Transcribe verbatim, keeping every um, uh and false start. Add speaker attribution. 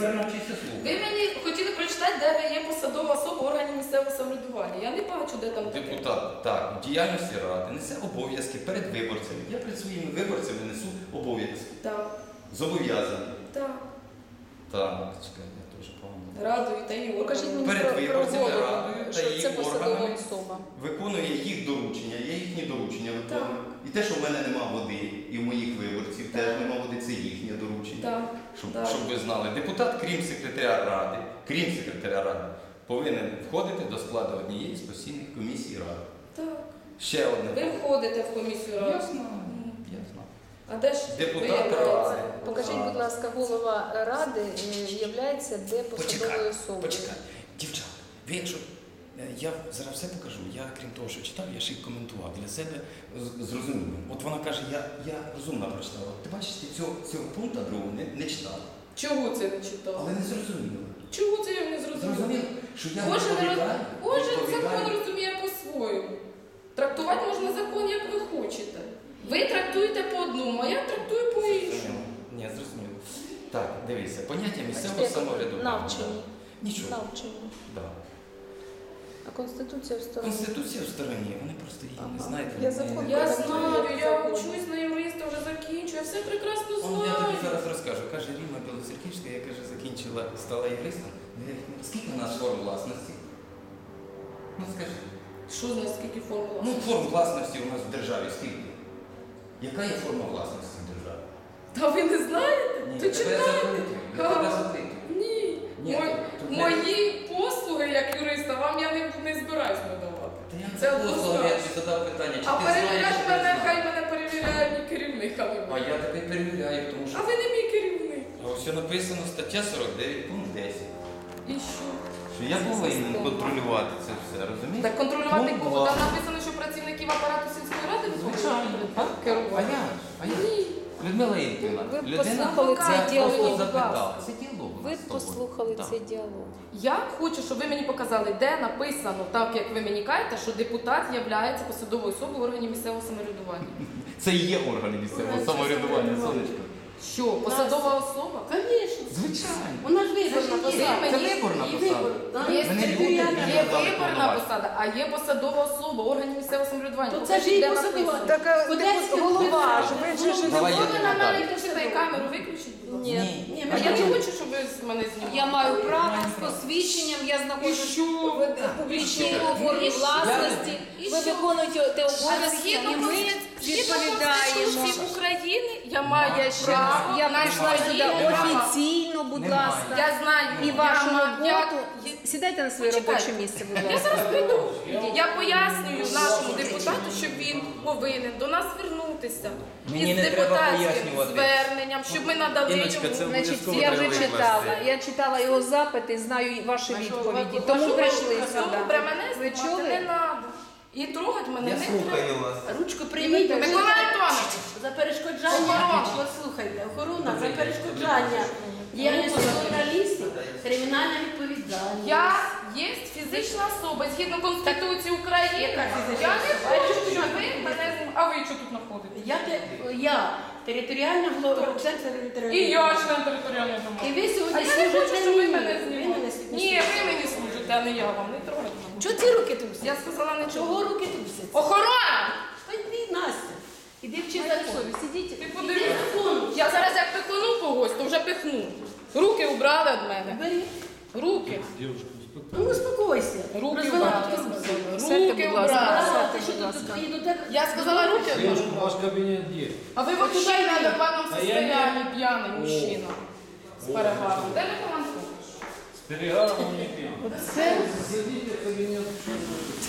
Speaker 1: тепер навчися слухати.
Speaker 2: Ви мені хотіли прочитати, де ви є посадова особа органів місцевого самоврядування. Я не бачу, де там таке.
Speaker 1: Депутат, так, в діяльності ради несе обов'язки перед виборцями. Я перед своїми виборцями несу обов'язки.
Speaker 2: Так.
Speaker 1: Зобов'язаний.
Speaker 2: Так.
Speaker 1: Так, чекай, я теж погано.
Speaker 2: Радою та її
Speaker 3: Покажіть
Speaker 2: органами.
Speaker 3: мені
Speaker 1: Перед
Speaker 3: про, про
Speaker 1: виборцями,
Speaker 3: голову,
Speaker 1: радою та
Speaker 3: що
Speaker 1: її
Speaker 3: це посадова
Speaker 1: органами.
Speaker 3: особа.
Speaker 1: Виконує їх доручення, я їхні доручення виконую. І те, що в мене нема води, і в моїх виборців теж нема води, це їхнє доручення.
Speaker 2: Так.
Speaker 1: Щоб,
Speaker 2: Так.
Speaker 1: щоб ви знали, депутат, крім секретаря ради, крім секретаря ради, повинен входити до складу однієї з постійних комісій ради.
Speaker 2: Так.
Speaker 1: Ще одне.
Speaker 2: Ви входите в комісію ради.
Speaker 1: Я знаю, я знаю.
Speaker 2: А де ж
Speaker 1: Депутат
Speaker 2: виявляється?
Speaker 1: ради.
Speaker 3: Покажіть, будь ласка, голова ради є де посадовою
Speaker 1: Почекай,
Speaker 3: особою.
Speaker 1: почекай. Дівчата, ви якщо... е, Я зараз все покажу, я крім того, що читав, я ще й коментував для себе з- зрозуміло. От вона каже, я, я розумно прочитала. Ти бачиш, ти цього, цього пункту другого не, не читав.
Speaker 2: Чого це не читав?
Speaker 1: Але не зрозуміло.
Speaker 2: Чого це я не зрозуміла?
Speaker 1: Зрозуміло, що я
Speaker 2: Кожен, роз...
Speaker 1: відповідаю,
Speaker 2: Кожен
Speaker 1: відповідаю.
Speaker 2: закон розуміє по-своєму. Трактувати можна закон, як ви хочете. Ви трактуєте по одному, а я трактую по іншому.
Speaker 1: Ні, зрозуміло. Так, дивіться, поняття місцевого
Speaker 3: Бачите,
Speaker 1: самоврядування.
Speaker 3: навчені.
Speaker 1: Нічого.
Speaker 3: Навчені.
Speaker 1: Да.
Speaker 3: А Конституція в стороні.
Speaker 1: Конституція в стороні, вони просто її не
Speaker 3: Ага.
Speaker 1: знають.
Speaker 3: Я
Speaker 1: вони-
Speaker 3: закон
Speaker 2: Я
Speaker 3: Так,
Speaker 2: знаю,
Speaker 3: так,
Speaker 2: я
Speaker 3: так.
Speaker 2: учусь на юриста, вже закінчую, я все прекрасно
Speaker 1: Он, я тобі
Speaker 2: знаю.
Speaker 1: зараз розкажу. Каже Ріма Білоцерківська, я каже, закінчила, стала юристом. Я говорю, скільки у нас форм власності? Ну скажи.
Speaker 2: Що з нас скільки формула?
Speaker 1: Ну, форм власності у нас в державі скільки? Яка є форма власності в державі?
Speaker 2: Та ви не знаєте?
Speaker 1: Ні,
Speaker 2: То
Speaker 1: я тебе
Speaker 2: читайте.
Speaker 1: запитую. Я тебе запитую.
Speaker 2: Ні.
Speaker 1: Ні,
Speaker 2: Мої,
Speaker 1: тут не-
Speaker 2: мої послуги як юриста вам я не, не збираюсь надавати.
Speaker 1: Та я
Speaker 2: Це
Speaker 1: не послухав, я
Speaker 2: однозначно.
Speaker 1: тобі задав питання, чи
Speaker 2: А
Speaker 1: ти знаєш,
Speaker 2: перевіряти
Speaker 1: чи ти
Speaker 2: мене,
Speaker 1: знаєш.
Speaker 2: хай мене перевіряє мій керівник, а ви
Speaker 1: А
Speaker 2: мене.
Speaker 1: я тебе перевіряю, тому що...
Speaker 2: А ви не мій керівник.
Speaker 1: А ось написано стаття сорок дев'ять, пункт десять.
Speaker 2: І що?
Speaker 1: Що я повинен контролювати це все, розумієте?
Speaker 2: Так контролювати
Speaker 1: Пункт
Speaker 2: кого?
Speaker 1: два.
Speaker 2: Там написано, що працівників апарату сільської ради ви
Speaker 1: Звичайно.
Speaker 2: повинні
Speaker 1: А
Speaker 2: керувати.
Speaker 1: я? А я?
Speaker 2: Ні.
Speaker 1: Людмила Ігорівна,
Speaker 3: Ви
Speaker 1: людина
Speaker 3: послухали
Speaker 1: я
Speaker 3: цей діалог,
Speaker 1: просто
Speaker 3: будь
Speaker 1: запитав.
Speaker 3: ласка.
Speaker 1: Це діалог у
Speaker 3: Ви
Speaker 1: нас з тобою.
Speaker 3: послухали
Speaker 1: Так.
Speaker 3: цей діалог.
Speaker 2: Я хочу, щоб ви мені показали, де написано, так як ви мені кажете, що депутат є посадовою особою органів місцевого самоврядування.
Speaker 1: Це і є органи місцевого самоврядування, сонечко.
Speaker 2: Що, посадова особа?
Speaker 4: Конечно.
Speaker 1: Звичайно.
Speaker 4: Вона ж виборна
Speaker 2: Значить,
Speaker 4: посада.
Speaker 2: є
Speaker 1: Це
Speaker 2: мені-
Speaker 1: виборна
Speaker 4: і
Speaker 1: посада.
Speaker 4: вибор, так.
Speaker 2: Є,
Speaker 1: Мене люди
Speaker 2: є
Speaker 1: мені дали
Speaker 2: виборна
Speaker 1: повноваження.
Speaker 2: посада, а є посадова особа органів місцевого самоврядування.
Speaker 4: То це
Speaker 2: Покажіть,
Speaker 4: ж її
Speaker 2: де
Speaker 4: посадова.
Speaker 2: написано.
Speaker 3: Так, а
Speaker 4: Одеська
Speaker 3: депут- голова ж,
Speaker 4: обласна.
Speaker 3: ви ж ж
Speaker 1: Давай я
Speaker 2: Ви
Speaker 1: тобі
Speaker 2: на мене
Speaker 1: дам.
Speaker 2: кричите, камеру виключіть, будь ласка.
Speaker 3: Ні.
Speaker 4: Ні,
Speaker 2: А
Speaker 4: ми
Speaker 2: я не
Speaker 4: хочемо.
Speaker 2: хочу, щоб ви з мене знімали.
Speaker 5: Я маю право з посвідченням, я знаходжусь
Speaker 2: що?
Speaker 5: в публічній формі
Speaker 2: І що?
Speaker 5: власності.
Speaker 2: І
Speaker 5: Ви
Speaker 2: що?
Speaker 5: виконуєте те
Speaker 2: А
Speaker 5: обов'язки,
Speaker 2: згідно
Speaker 5: і ми відповідаємо.
Speaker 2: Конституції України я маю право
Speaker 5: Я
Speaker 2: на
Speaker 5: прийшла
Speaker 2: свої
Speaker 5: сюди
Speaker 2: права.
Speaker 5: офіційно, будь
Speaker 1: Немає.
Speaker 5: ласка.
Speaker 2: Я знаю,
Speaker 5: І
Speaker 2: я
Speaker 5: вашу
Speaker 2: ма-
Speaker 5: роботу.
Speaker 2: я-
Speaker 5: Сідайте на своє
Speaker 2: Почекайте.
Speaker 5: робоче місце, будь
Speaker 2: Я
Speaker 5: ласка.
Speaker 2: зараз прийду. Я пояснюю нашому депутату, що він повинен до нас звернутися
Speaker 1: Мені
Speaker 2: із
Speaker 1: не треба
Speaker 2: депутатським
Speaker 1: пояснювати.
Speaker 2: зверненням, щоб ми надали
Speaker 1: Іночка,
Speaker 2: йому.
Speaker 1: це
Speaker 5: Значить,
Speaker 1: обов'язково
Speaker 5: я вже
Speaker 1: треба
Speaker 5: читала.
Speaker 1: викласти.
Speaker 5: Я читала його запити, знаю ваші
Speaker 2: А що,
Speaker 5: відповіді.
Speaker 2: ви-
Speaker 5: Тому
Speaker 2: що ви-
Speaker 5: прийшли
Speaker 2: Добре,
Speaker 5: сюди.
Speaker 2: мене
Speaker 5: Ви
Speaker 2: знімати
Speaker 5: чули?
Speaker 2: не треба. І трогати мене
Speaker 1: Я
Speaker 2: не треба.
Speaker 1: слухаю вас.
Speaker 4: Ручку прийміть.
Speaker 2: Микола Антонович,
Speaker 4: За перешкоджання,
Speaker 2: Охорона.
Speaker 4: послухайте, охорона, за перешкоджання діяльності журналістів, кримінальна відповідальність.
Speaker 2: я є фізична особа, згідно Конституції України.
Speaker 4: Яка фізична
Speaker 2: Я не
Speaker 4: особа?
Speaker 2: хочу, щоб ви мене знімали. А ви що тут знаходите?
Speaker 4: Я, те- я територіальна голова, центр
Speaker 2: І
Speaker 4: територіальної.
Speaker 2: я член територіальної
Speaker 4: І
Speaker 2: громади.
Speaker 4: ви
Speaker 2: А
Speaker 4: сьогодні
Speaker 2: я не хочу,
Speaker 4: служите
Speaker 2: щоб ви
Speaker 4: мені.
Speaker 2: мене
Speaker 4: Ви
Speaker 2: знімали.
Speaker 4: мене сьогодні
Speaker 2: Ні,
Speaker 4: служите.
Speaker 2: ви мені служите, а не я вам. Не трогайте мене.
Speaker 4: Чого ці руки трусять?
Speaker 2: Я сказала
Speaker 4: Чого
Speaker 2: нічого.
Speaker 4: руки трусять?
Speaker 2: Охорона!
Speaker 4: Та йди, Настя. Іди вчи
Speaker 5: Майте
Speaker 4: закон.
Speaker 5: совість, сидіть.
Speaker 2: Ти
Speaker 4: Іди
Speaker 2: подивись.
Speaker 4: закон.
Speaker 2: Я зараз як пихну когось, то вже пихну. Руки убрали від мене.
Speaker 4: Бери.
Speaker 2: Руки.
Speaker 4: Ну, успокойся.
Speaker 2: Руки
Speaker 4: Розвела
Speaker 2: убрали.
Speaker 4: тут руки.
Speaker 5: Сядьте,
Speaker 2: Руки
Speaker 5: будь ласка.
Speaker 2: убрали.
Speaker 4: А, ти що тут і до тебе?
Speaker 2: Я сказала руки
Speaker 6: Девушка,
Speaker 2: убрали.
Speaker 6: ваш кабинет где?
Speaker 2: А ви вот туда в неадекватном
Speaker 6: А я
Speaker 2: состоянии пьяный мужчина. С перегаром. Де Микола Антонович?
Speaker 6: С перегаром не пей. Зайдите в кабинет.